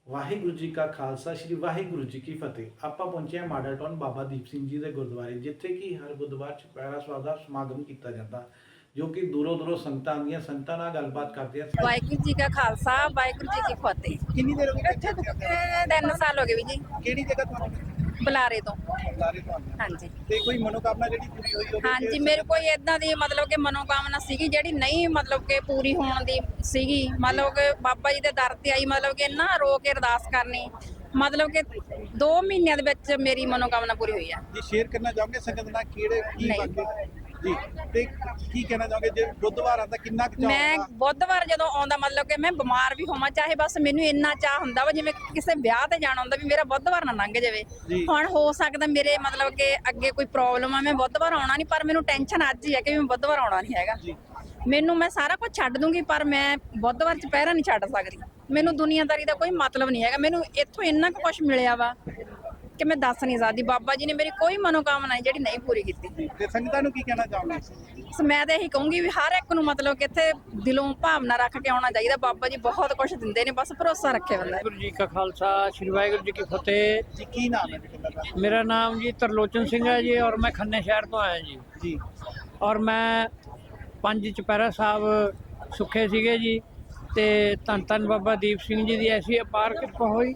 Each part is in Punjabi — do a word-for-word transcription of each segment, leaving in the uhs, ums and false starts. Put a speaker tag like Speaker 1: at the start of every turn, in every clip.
Speaker 1: ਵਾਹਿਗੁਰੂ ਜੀ ਕਾ ਖਾਲਸਾ ਸ੍ਰੀ ਵਾਹਿਗੁਰੂ ਜੀ ਕੀ ਫਤਿਹ। ਆਪਾਂ ਪਹੁੰਚੇ ਹਾਂ ਮਾਡਲ ਟਾਊਨ ਬਾਬਾ ਦੀਪ ਸਿੰਘ ਜੀ ਦੇ ਗੁਰਦੁਆਰੇ, ਜਿੱਥੇ ਕਿ ਹਰ ਬੁੱਧਵਾਰ ਚੁਪਹਿਰਾ ਸਾਹਿਬ ਦਾ ਸਮਾਗਮ ਕੀਤਾ ਜਾਂਦਾ, ਜੋ ਕਿ ਦੂਰੋਂ ਦੂਰੋਂ ਸੰਗਤਾਂ ਆਉਂਦੀਆਂ, ਸੰਗਤਾਂ ਨਾਲ ਗੱਲਬਾਤ ਕਰਦੇ ਆ।
Speaker 2: ਵਾਹਿਗੁਰੂ ਜੀ ਕਾ ਖਾਲਸਾ ਵਾਹਿਗੁਰੂ ਜੀ ਕੀ ਫਤਿਹ।
Speaker 3: ਕਿੰਨੀ ਦੇਰ ਹੋ ਗਈ ਇੱਥੇ?
Speaker 2: ਇਹ ਤਿੰਨ ਸਾਲ ਹੋ ਗਏ ਵੀ ਜੀ।
Speaker 3: ਕਿਹੜੀ ਜਗ੍ਹਾ ਤੁਹਾਨੂੰ?
Speaker 2: ਬੁਲਾਰੇ ਤੋਂ।
Speaker 3: ਬੁਲਾਰੇ ਤੋਂ ਆਉਂਦੇ ਹੋ।
Speaker 2: ਹਾਂਜੀ
Speaker 3: ਤੇ ਕੋਈ ਮਨੋਕਾਮਨਾ ਜਿਹੜੀ ਪੂਰੀ ਹੋਈ ਹੋਵੇ?
Speaker 2: ਹਾਂਜੀ, ਮੇਰੇ ਕੋਈ ਇਦਾਂ ਦੀ ਮਤਲਬ ਕਿ ਮਨੋਕਾਮਨਾ ਸੀਗੀ ਜਿਹੜੀ ਨਹੀਂ ਮਤਲਬ ਕਿ ਪੂਰੀ ਹੋਣ ਦੀ ਸੀਗੀ। ਮਤਲਬ ਕਿ ਬਾਬਾ ਜੀ ਦੇ ਦਰ ਤੇ ਆਈ, ਮਤਲਬ ਕਿ ਨਾ ਰੋ ਕੇ ਅਰਦਾਸ ਕਰਨੀ, ਮਤਲਬ ਕਿ ਦੋ ਮਹੀਨਿਆਂ ਦੇ ਵਿੱਚ ਮੇਰੀ ਮਨੋਕਾਮਨਾ ਪੂਰੀ ਹੋਈ ਆ
Speaker 3: ਜੀ। ਸ਼ੇਅਰ ਕਰਨਾ ਚਾਹੋਗੇ ਸੰਗਤ ਨਾਲ ਕਿਹੜੇ ਕੀ
Speaker 2: ਨਹੀਂ।
Speaker 3: ਵਾਕਿਆ ਜੀ? ਤੇ ਕੀ ਕਹਿਣਾ ਚਾਹੋਗੇ ਜੇ ਬੁੱਧਵਾਰ ਆਉਂਦਾ ਕਿੰਨਾ ਕੁ ਚਾਅ
Speaker 2: ਮੈਂ
Speaker 3: ਹੁੰਦਾ?
Speaker 2: ਬੁੱਧਵਾਰ ਜਦੋਂ ਆਉਂਦਾ, ਮਤਲਬ ਕਿ ਮੈਂ ਬਿਮਾਰ ਵੀ ਹੋਵਾਂ ਚਾਹੇ, ਬਸ ਮੈਨੂੰ ਇੰਨਾ ਚਾਹ ਹੁੰਦਾ ਵਾ ਜਿਵੇਂ ਕਿਸੇ ਵਿਆਹ ਤੇ ਜਾਣਾ ਹੁੰਦਾ ਵੀ ਮੇਰਾ ਬੁੱਧਵਾਰ ਨਾ ਲੰਘ ਜਾਵੇ।
Speaker 3: ਜੀ।
Speaker 2: ਹੁਣ ਹੋ ਸਕਦਾ ਮੇਰੇ ਮਤਲਬ ਕਿ ਅੱਗੇ ਕੋਈ ਪ੍ਰੋਬਲਮ ਆ, ਮੈਂ ਬੁੱਧਵਾਰ ਆਉਣਾ ਨਹੀਂ, ਪਰ ਮੈਨੂੰ ਟੈਨਸ਼ਨ ਅੱਜ ਹੀ ਹੈ ਕਿ ਮੈਂ ਬੁੱਧਵਾਰ ਆਉਣਾ ਨਹੀਂ ਹੈਗਾ।
Speaker 3: ਜੀ।
Speaker 2: ਮੈਨੂੰ ਮੈਂ ਸਾਰਾ ਕੁਝ ਛੱਡ ਦੂੰਗੀ, ਪਰ ਮੈਂ ਬੁੱਧਵਾਰ ਚੁਪਹਿਰਾ ਨਹੀਂ ਛੱਡ ਸਕਦੀ। ਮੈਨੂੰ ਦੁਨੀਆਦਾਰੀ ਦਾ ਕੋਈ ਮਤਲਬ ਨਹੀਂ ਹੈਗਾ। ਮੈਨੂੰ ਇੱਥੋਂ ਇੰਨਾ ਕੁ ਕੁਝ ਮਿਲਿਆ ਵਾ ਕਿ ਮੈਂ ਦੱਸ ਨਹੀਂ ਸਕਦੀ। ਬਾਬਾ ਜੀ ਨੇ ਮੇਰੀ ਕੋਈ ਮਨੋਕਾਮਨਾ ਨਹੀਂ ਜਿਹੜੀ ਨਹੀਂ ਪੂਰੀ ਕੀਤੀ।
Speaker 3: ਤੇ ਸੰਗਤਾਂ ਨੂੰ ਕੀ ਕਹਿਣਾ ਚਾਹੋਗੇ?
Speaker 2: ਸੋ ਮੈਂ ਤਾਂ ਇਹੀ ਕਹੂੰਗੀ ਵੀ ਹਰ ਇੱਕ ਨੂੰ ਮਤਲਬ ਕਿ ਇੱਥੇ ਦਿਲੋਂ ਭਾਵਨਾ ਰੱਖ ਕੇ ਆਉਣਾ ਚਾਹੀਦਾ। ਬਾਬਾ ਜੀ ਬਹੁਤ ਕੁਝ ਦਿੰਦੇ ਨੇ, ਬਸ ਭਰੋਸਾ ਰੱਖੇ ਬੰਦਾ।
Speaker 4: ਵਾਹਿਗੁਰੂ ਜੀ ਕਾ ਖਾਲਸਾ ਸ੍ਰੀ ਵਾਹਿਗੁਰੂ ਜੀ ਕੀ ਫਤਿਹ।
Speaker 3: ਜੀ ਕੀ ਨਾਮ ਹੈ ਤੁਹਾਡਾ?
Speaker 4: मेरा नाम जी तरलोचन सिंह है जी, और मैं खन्ने शहर तो आया जी।
Speaker 3: ਜੀ।
Speaker 4: और मैं पंज चुपहरा साहब सुखे सीगे जी, ते धन धन बाबा दीप सिंह जी की ऐसी अपार किरपा हुई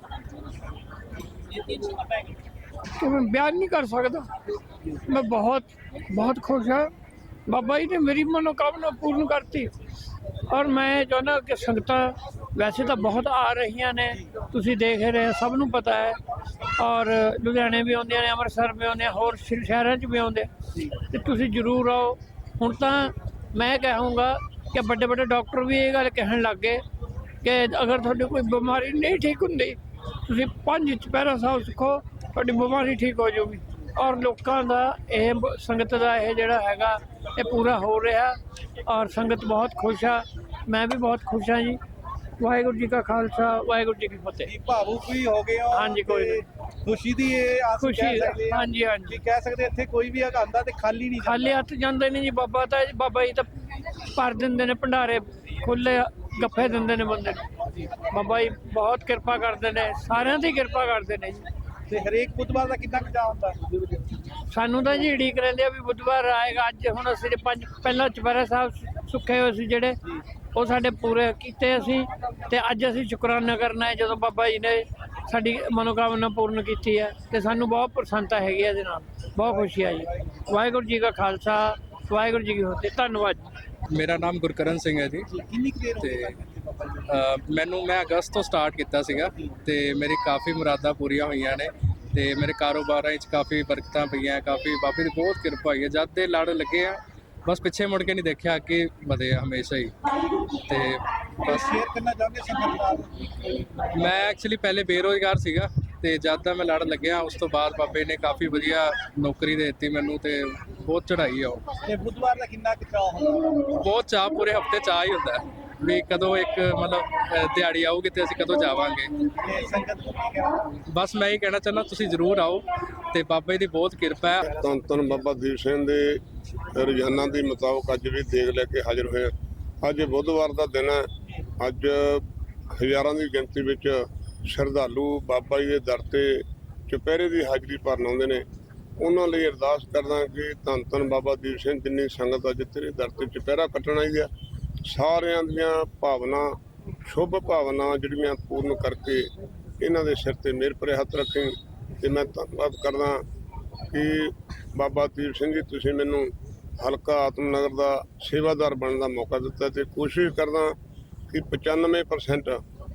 Speaker 4: कि मैं बयान नहीं कर सकता। मैं बहुत बहुत खुश हाँ। बाबा जी ने मेरी मनोकामना पूर्ण करती। और मैं चाਹੁੰਦਾ कि ਸੰਗਤਾਂ ਵੈਸੇ ਤਾਂ ਬਹੁਤ ਆ ਰਹੀਆਂ ਨੇ, ਤੁਸੀਂ ਦੇਖ ਰਹੇ, ਸਭ ਨੂੰ ਪਤਾ ਹੈ। ਔਰ ਲੁਧਿਆਣੇ ਵੀ ਆਉਂਦੀਆਂ ਨੇ, ਅੰਮ੍ਰਿਤਸਰ ਵੀ ਆਉਂਦੇ, ਹੋਰ ਸ਼ਹਿ- ਸ਼ਹਿਰਾਂ 'ਚ ਵੀ ਆਉਂਦੇ, ਤੇ ਤੁਸੀਂ ਜ਼ਰੂਰ ਆਓ। ਹੁਣ ਤਾਂ ਮੈਂ ਕਹਾਂਗਾ ਕਿ ਵੱਡੇ ਵੱਡੇ ਡਾਕਟਰ ਵੀ ਇਹ ਗੱਲ ਕਹਿਣ ਲੱਗ ਗਏ ਕਿ ਅਗਰ ਤੁਹਾਡੀ ਕੋਈ ਬਿਮਾਰੀ ਨਹੀਂ ਠੀਕ ਹੁੰਦੀ, ਤੁਸੀਂ ਪੰਜ ਚੁਪਹਿਰਾ ਸਾਹਿਬ ਸਿੱਖੋ, ਤੁਹਾਡੀ ਬਿਮਾਰੀ ਠੀਕ ਹੋ ਜਾਊਗੀ। ਔਰ ਲੋਕਾਂ ਦਾ ਇਹ ਬ- ਸੰਗਤ ਦਾ ਇਹ ਜਿਹੜਾ ਹੈਗਾ ਇਹ ਪੂਰਾ ਹੋ ਰਿਹਾ, ਔਰ ਸੰਗਤ ਬਹੁਤ ਖੁਸ਼ ਆ। ਮੈਂ ਵੀ ਬਹੁਤ ਖੁਸ਼ ਹਾਂ ਜੀ। ਵਾਹਿਗੁਰੂ ਜੀ ਕਾ ਖਾਲਸਾ ਵਾਹਿਗੁਰੂ ਜੀ ਕੀ ਫਤਿਹ।
Speaker 3: ਜੀ ਭਾਵੁਕ ਵੀ ਹੋ ਗਏ ਹੋ?
Speaker 4: ਹਾਂਜੀ, ਕੋਈ
Speaker 3: ਤੇ ਖੁਸ਼ੀ ਦੀ ਇਹ ਆਸ
Speaker 4: ਖੁਸ਼ੀ,
Speaker 3: ਕਹਿ ਸਕਦੇ ਹਾਂ।
Speaker 4: ਹਾਂਜੀ, ਹਾਂਜੀ।
Speaker 3: ਜੀ ਕਹਿ ਸਕਦੇ ਇੱਥੇ ਕੋਈ ਵੀ ਆਉਂਦਾ ਤੇ ਖਾਲੀ ਨਹੀਂ
Speaker 4: ਖਾਲੀ ਹੱਥ ਜਾਂਦੇ ਨੇ ਜੀ। ਬਾਬਾ ਤਾਂ ਬਾਬਾ ਜੀ ਤਾਂ ਭਰ ਦਿੰਦੇ ਨੇ ਭੰਡਾਰੇ, ਖੁੱਲੇ ਗੱਫੇ ਦਿੰਦੇ ਨੇ ਬੰਦੇ ਨੂੰ। ਬਾਬਾ ਜੀ ਬਹੁਤ ਕਿਰਪਾ ਕਰਦੇ ਨੇ, ਸਾਰਿਆਂ ਦੀ ਕਿਰਪਾ ਕਰਦੇ ਨੇ ਜੀ।
Speaker 3: ਤੇ ਹਰੇਕ ਬੁੱਧਵਾਰ ਦਾ ਕਿੰਨਾ ਕੁ ਚਾਅ ਹੁੰਦਾ?
Speaker 4: ਸਾਨੂੰ ਤਾਂ ਜੀ ਉਡੀਕ ਰਹਿੰਦੇ ਆ ਵੀ ਬੁੱਧਵਾਰ ਆਏਗਾ। ਅੱਜ ਹੁਣ ਅਸੀਂ ਜੇ ਪੰਜ ਪਹਿਲਾਂ ਚੁਪਹਿਰਾ ਸਾਹਿਬ ਸੁੱਖੇ ਹੋਏ ਸੀ ਜਿਹੜੇ, ਉਹ ਸਾਡੇ ਪੂਰੇ ਕੀਤੇ ਅਸੀਂ, ਤੇ ਅੱਜ ਅਸੀਂ ਸ਼ੁਕਰਾਨਾ ਕਰਨਾ ਹੈ ਜਦੋਂ ਬਾਬਾ ਜੀ ਨੇ ਸਾਡੀ ਮਨੋਕਾਮਨਾ ਪੂਰਨ ਕੀਤੀ ਹੈ। ਤੇ ਸਾਨੂੰ ਬਹੁਤ ਪ੍ਰਸੰਨਤਾ ਹੈਗੀ ਹੈ ਇਹਦੇ ਨਾਲ, ਬਹੁਤ ਖੁਸ਼ੀ ਹੈ ਜੀ। ਵਾਹਿਗੁਰੂ ਜੀ ਕਾ ਖਾਲਸਾ ਵਾਹਿਗੁਰੂ ਜੀ ਕੀ ਫਤਿਹ। ਧੰਨਵਾਦ।
Speaker 5: ਮੇਰਾ ਨਾਮ ਗੁਰਕਰਨ ਸਿੰਘ ਹੈ ਜੀ।
Speaker 3: ਕਿੰਨੀ ਕੁ ਦੇਰ ਹੋ
Speaker 5: ਤੇ
Speaker 3: ਗਈ ਬਾਬਾ ਜੀ?
Speaker 5: ਅ, ਮੈਨੂੰ ਮੈਂ ਅਗਸਤ ਤੋਂ ਸਟਾਰਟ ਕੀਤਾ ਸੀਗਾ, ਤੇ ਮੇਰੀ ਕਾਫੀ ਮੁਰਾਦਾਂ ਪੂਰੀਆਂ ਹੋਈਆਂ ਨੇ, ਤੇ ਮੇਰੇ ਕਾਰੋਬਾਰਾਂ ਵਿੱਚ ਕਾਫੀ ਬਰਕਤਾਂ ਪਈਆਂ, ਕਾਫੀ ਬਾਬੇ ਦੀ ਬਹੁਤ ਕਿਰਪਾ ਹੋਈ ਹੈ। ਜਦ ਦੇ ਲੜ ਲੱਗੇ ਆ, ਬਸ ਪਿੱਛੇ ਮੁੜ ਕੇ ਨਹੀਂ ਦੇਖਿਆ, ਅੱਗੇ ਵਧੇ ਆ ਹਮੇਸ਼ਾ ਹੀ। ਤੇ ਬਸ
Speaker 3: ਸ਼ੇਅਰ ਕਰਨਾ ਚਾਹੋਗੇ ਸੰਗਤ ਨਾਲ?
Speaker 5: ਮੈਂ ਐਕਚੁਅਲੀ ਪਹਿਲੇ ਬੇਰੁਜ਼ਗਾਰ ਸੀਗਾ, ਤੇ ਜਦ ਦਾ ਮੈਂ ਲੜ ਲੱਗਿਆ ਉਸ ਤੋਂ ਬਾਅਦ ਬਾਬੇ ਨੇ ਕਾਫੀ ਵਧੀਆ ਨੌਕਰੀ ਦੇ ਦਿੱਤੀ ਮੈਨੂੰ, ਤੇ ਬਹੁਤ ਚੜ੍ਹਾਈ ਆ ਉਹ।
Speaker 3: ਤੇ ਬੁੱਧਵਾਰ ਦਾ ਕਿੰਨਾ ਕੁ ਚਾਅ ਹੁੰਦਾ?
Speaker 5: ਬਹੁਤ ਚਾਅ, ਪੂਰੇ ਹਫਤੇ ਚਾਅ ਹੀ ਹੁੰਦਾ ਹੈ ਵੀ ਕਦੋਂ ਇੱਕ ਮਤਲਬ ਅ, ਦਿਹਾੜੀ ਆਊਗੀ ਤੇ ਅਸੀਂ ਕਦੋਂ ਜਾਵਾਂਗੇ।
Speaker 3: ਤੇ ਸੰਗਤ ਨੂੰ ਕੀ ਕਹਿਣਾ?
Speaker 5: ਬਸ ਮੈਂ ਹੀ ਕਹਿਣਾ ਚਾਹੁੰਦਾ ਤੁਸੀਂ ਜ਼ਰੂਰ ਆਓ, ਤੇ ਬਾਬੇ ਦੀ ਬਹੁਤ ਕਿਰਪਾ ਹੈ।
Speaker 6: ਧੰਨ ਧੰਨ ਬਾਬਾ ਦੀਪ ਸਿੰਘ ਦੇ ਰੋਜ਼ਾਨਾ ਦੇ ਮੁਤਾਬਕ ਅੱਜ ਵੀ ਦੇਗ ਲੈ ਕੇ ਹਾਜ਼ਰ ਹੋਏ ਹਾਂ। ਅੱਜ ਬੁੱਧਵਾਰ ਦਾ ਦਿਨ ਹੈ। ਅੱਜ ਹਜ਼ਾਰਾਂ ਦੀ ਗਿਣਤੀ ਵਿੱਚ ਸ਼ਰਧਾਲੂ ਬਾਬਾ ਜੀ ਦੇ ਦਰ ਤੇ ਚੁਪਹਿਰੇ ਦੀ ਹਾਜ਼ਰੀ ਭਰਨ ਆਉਂਦੇ ਨੇ। ਉਹਨਾਂ ਲਈ ਅਰਦਾਸ ਕਰਦਾ ਕਿ ਧੰਨ ਧੰਨ ਬਾਬਾ ਦੀਪ ਸਿੰਘ ਜਿੰਨੀ ਸੰਗਤ ਅੱਜ ਤੇਰੇ ਦਰ ਤੇ ਚੁਪਹਿਰਾ ਕੱਟਣ ਆਈ ਆ, ਸਾਰਿਆਂ ਦੀਆਂ ਭਾਵਨਾ, ਸ਼ੁਭ ਭਾਵਨਾ ਜਿਹੜੀਆਂ ਪੂਰਨ ਕਰਕੇ ਇਹਨਾਂ ਦੇ ਸਿਰ ਤੇ ਮਿਹਰ ਭਰੇ ਹੱਥ ਰੱਖੇ। ਤੇ ਮੈਂ ਧੰਨਵਾਦ ਕਰਦਾ ਕਿ ਬਾਬਾ ਦੀਪ ਸਿੰਘ ਜੀ ਤੁਸੀਂ ਮੈਨੂੰ ਹਲਕਾ ਆਤਮਨਗਰ ਦਾ ਸੇਵਾਦਾਰ ਬਣਨ ਦਾ ਮੌਕਾ ਦਿੱਤਾ, ਤੇ ਕੋਸ਼ਿਸ਼ ਕਰਦਾ ਕਿ ਪਚਾਨਵੇਂ ਪਰਸੈਂਟ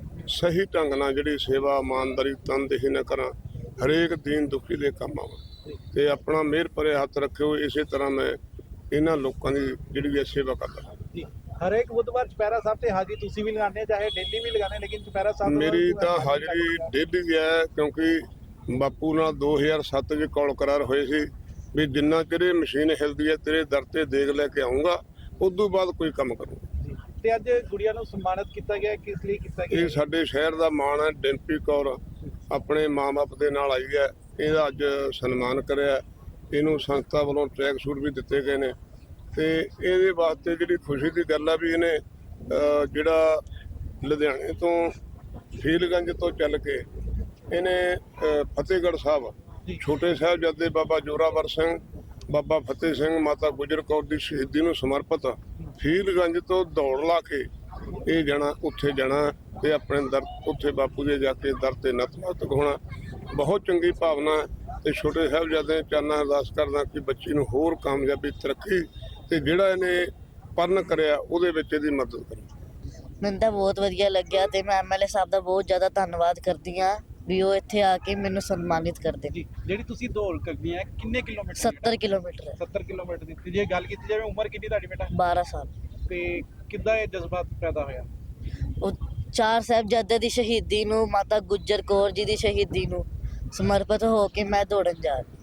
Speaker 6: ਸਹੀ ਢੰਗ ਨਾਲ ਜਿਹੜੀ ਸੇਵਾ ਇਮਾਨਦਾਰੀ ਤਨਦੇਹੀ ਨਾਲ ਕਰਾਂ, ਹਰੇਕ ਦੀਨ ਦੁਖੀ ਦੇ ਕੰਮ ਆਵਾਂ, ਤੇ ਆਪਣਾ ਮਿਹਰ ਭਰੇ ਹੱਥ ਰੱਖਿਓ। ਇਸੇ ਤਰ੍ਹਾਂ ਮੈਂ ਇਹਨਾਂ ਲੋਕਾਂ ਦੀ ਜਿਹੜੀ ਹੈ ਸੇਵਾ ਕਰਦਾ।
Speaker 3: ਜੀ। ਹਰੇਕ ਬੁੱਧਵਾਰ ਚੁਪਹਿਰਾ ਸਾਹਿਬ ਤੇ ਹਾਜ਼ਰੀ ਤੁਸੀਂ ਵੀ ਲਗਾਉਂਦੇ, ਚਾਹੇ ਡੇਲੀ ਵੀ ਲਗਾਉਂਦੇ, ਲੇਕਿਨ ਚੁਪਹਿਰਾ ਸਾਹਿਬ ਤੋਂ
Speaker 6: ਮੇਰੀ
Speaker 3: ਬਾਅਦ
Speaker 6: ਤਾਂ ਹਾਜ਼ਰੀ ਡੇਲੀ ਹੈ, ਕਿਉਂਕਿ ਬਾਪੂ ਨਾਲ ਦੋ ਹਜ਼ਾਰ ਸੱਤ 'ਚ ਕੌਲ ਕਰਾਰ ਹੋਏ ਸੀ ਵੀ ਜਿੰਨਾ ਚਿਰ ਮਸ਼ੀਨ ਹਿਲਦੀ ਹੈ ਤੇਰੇ ਦਰ ਤੇ ਦੇਗ ਲੈ ਕੇ ਆਉਂਗਾ, ਉਦੋਂ ਬਾਅਦ ਕੋਈ ਕੰਮ ਕਰੂੰਗਾ।
Speaker 3: ਜੀ। ਤੇ ਅੱਜ ਗੁੜੀਆ ਨੂੰ ਸਨਮਾਨਿਤ ਕੀਤਾ ਗਿਆ, ਕਿਸ ਲਈ ਕੀਤਾ ਗਿਆ?
Speaker 6: ਇਹ ਸਾਡੇ ਸ਼ਹਿਰ ਦਾ ਮਾਣ ਹੈ। ਡਿੰਪੀ ਕੌਰ ਆਪਣੇ ਮਾਂ-ਬਾਪ ਦੇ ਨਾਲ ਆਈ ਹੈ, ਇਹਦਾ ਅੱਜ ਸਨਮਾਨ ਕਰਿਆ। ਇਹਨੂੰ ਸੰਸਥਾ ਵੱਲੋਂ ਟਰੈਕ ਸੂਟ ਵੀ ਦਿੱਤੇ ਗਏ ਨੇ, ਤੇ ਇਹਦੇ ਵਾਸਤੇ ਜਿਹੜੀ ਖੁਸ਼ੀ ਦੀ ਗੱਲ ਆ ਵੀ ਇਹਨੇ ਅ, ਜਿਹੜਾ ਲੁਧਿਆਣੇ ਤੋਂ ਫੀਲਗੰਜ ਤੋਂ ਚੱਲ ਕੇ ਇਹਨੇ ਅ, ਫਤਿਹਗੜ੍ਹ ਸਾਹਿਬ ਛੋਟੇ ਸਾਹਿਬਜ਼ਾਦੇ ਬਾਬਾ ਜੋਰਾਵਰ ਸਿੰਘ, ਬਾਬਾ ਫਤਿਹ ਸਿੰਘ, ਮਾਤਾ ਗੁਜਰ ਕੌਰ ਦੀ ਸ਼ਹੀਦੀ ਨੂੰ ਸਮਰਪਿਤ ਫੀਲਗੰਜ ਤੋਂ ਦੌੜ ਲਾ ਕੇ ਇਹ ਜਾਣਾ ਉੱਥੇ ਜਾਣਾ ਤੇ ਆਪਣੇ ਦਰ ਉੱਥੇ ਬਾਪੂ ਦੇ ਜਾ ਕੇ ਦਰ ਤੇ ਨਤਮਸਤਕ ਹੋਣਾ। ਬਹੁਤ ਚੰਗੀ ਭਾਵਨਾ ਤੇ ਛੋਟੇ ਸਾਹਿਬਜ਼ਾਦੇ ਚਾਨਾਂ ਅਰਦਾਸ ਕਰਦਾ ਕਿ ਬੱਚੀ ਨੂੰ ਹੋਰ ਕਾਮਯਾਬੀ, ਤਰੱਕੀ ਤੇ ਜਿਹੜਾ ਇਹਨੇ ਪਰਨ ਕਰਿਆ ਉਹਦੇ ਵਿੱਚ ਇਹਦੀ ਮਦਦ ਕਰੇ।
Speaker 7: ਮੈਨੂੰ ਤਾਂ ਬਹੁਤ ਵਧੀਆ ਲੱਗਿਆ ਤੇ ਮੈਂ ਐਮਐਲਏ ਸਾਹਿਬ ਦਾ ਬਹੁਤ ਜ਼ਿਆਦਾ ਧੰਨਵਾਦ ਕਰਦੀ ਹਾਂ ਵੀ ਉਹ ਇੱਥੇ ਆ ਕੇ ਮੈਨੂੰ ਸਨਮਾਨਿਤ ਕਰਦੇ।
Speaker 3: ਜੀ ਜਿਹੜੀ ਤੁਸੀਂ ਦੌੜ ਕਰਨੀ ਹੈ ਕਿੰਨੇ ਕਿਲੋਮੀਟਰ?
Speaker 7: ਸੱਤਰ ਕਿਲੋਮੀਟਰ ਹੈ।
Speaker 3: ਸੱਤਰ ਕਿਲੋਮੀਟਰ ਦੀ ਤੇ ਜੇ ਗੱਲ ਕੀਤੀ ਜਾਵੇ ਉਮਰ ਕਿੰਨੀ ਤੁਹਾਡੀ ਬੇਟਾ?
Speaker 7: ਬਾਰਾਂ ਸਾਲ।
Speaker 3: ਤੇ ਕਿੱਦਾਂ ਇਹ ਜਜ਼ਬਾ ਪੈਦਾ ਹੋਇਆ?
Speaker 7: ਉਹ ਚਾਰ ਸਾਹਿਬਜ਼ਾਦੇ ਦੀ ਸ਼ਹੀਦੀ ਨੂੰ, ਮਾਤਾ ਗੁਜਰ ਕੌਰ ਜੀ ਦੀ ਸ਼ਹੀਦੀ ਨੂੰ ਸਮਰਪਿਤ ਹੋ ਕੇ ਮੈਂ ਦੌੜਨ ਜਾ ਰਹੀ।